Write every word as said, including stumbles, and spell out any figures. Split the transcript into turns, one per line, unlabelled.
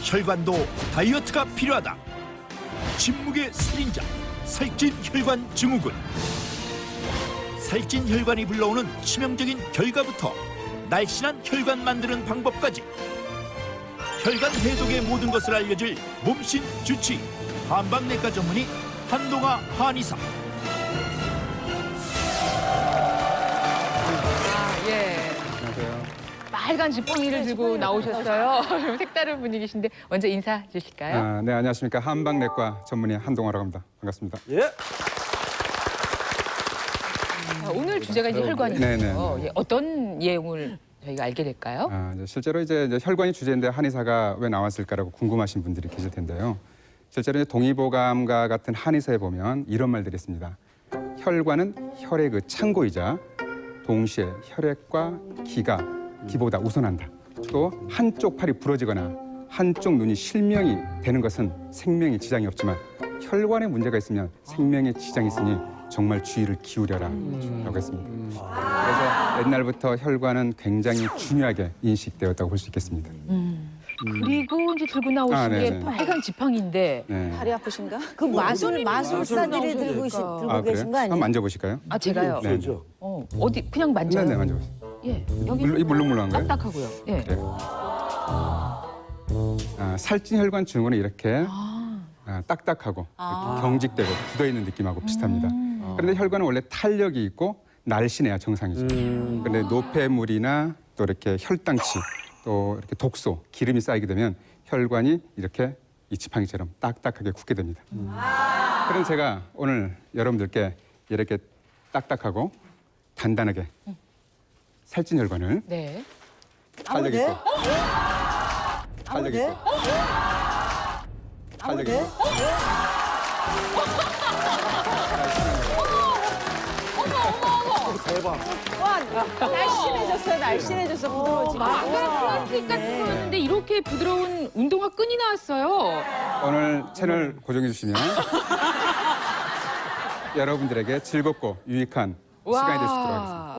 혈관도 다이어트가 필요하다. 침묵의 살인자, 살찐 혈관 증후군. 살찐 혈관이 불러오는 치명적인 결과부터 날씬한 혈관 만드는 방법까지 혈관 해독의 모든 것을 알려줄 몸신 주치 한방내과 전문의 한동아 한의사.
아, 예.
안녕하세요.
빨간 지팡이를 들고 나오셨어요. 색다른 분위기신데 먼저 인사 주실까요?
아, 네, 안녕하십니까. 한방내과 전문의 한동아라고 합니다. 반갑습니다.
예.
자, 오늘 주제가 이제 혈관이죠.
네, 네, 네.
예, 어떤 내용을 저희가 알게 될까요?
아, 이제 실제로 이제, 이제 혈관이 주제인데 한의사가 왜 나왔을까라고 궁금하신 분들이 계실 텐데요. 실제로 이제 동의보감과 같은 한의사에 보면 이런 말들이 있습니다. 혈관은 혈의 그 창고이자 동시에 혈액과 기가 기보다 우선한다. 또 한쪽 팔이 부러지거나 한쪽 눈이 실명이 되는 것은 생명에 지장이 없지만 혈관에 문제가 있으면 생명에 지장이 있으니 정말 주의를 기울여라 라고 했습니다. 그래서 옛날부터 혈관은 굉장히 중요하게 인식되었다고 볼 수 있겠습니다.
그리고 이제 들고 나오신
아,
게
네네.
빨간 지팡이인데
네.
다리 아프신가? 그 마술 마술사들이 들고, 시- 들고
아,
계신
그래요?
거 아니에요?
한번 만져보실까요?
아 제가요.
네.
어, 어디 그냥 만져요?
네네, 만져보세요.
예, 여기
물렁, 이 물렁물렁한 거예요?
딱딱하고요. 예.
그래요. 아, 살찐 혈관 증후군은 이렇게
아,
아, 딱딱하고
아.
이렇게 경직되고 굳어있는 느낌하고 비슷합니다. 그런데 혈관은 원래 탄력이 있고 날씬해야 정상이죠. 그런데 노폐물이나 또 이렇게 혈당치 또 이렇게 독소, 기름이 쌓이게 되면 혈관이 이렇게 이 지팡이처럼 딱딱하게 굳게 됩니다. 그럼 제가 오늘 여러분들께 이렇게 딱딱하고 단단하게 살찐 혈관을
네.
탄력
돼?
있고 탄력
돼?
있고 탄력
돼?
있고
와, 날씬해졌어요, 날씬해졌어, 부드러워지고.
막간 플라스틱 같은 거였는데 이렇게 부드러운 운동화 끈이 나왔어요.
오늘 채널 고정해 주시면 여러분들에게 즐겁고 유익한 시간이 될 수 있도록 하겠습니다.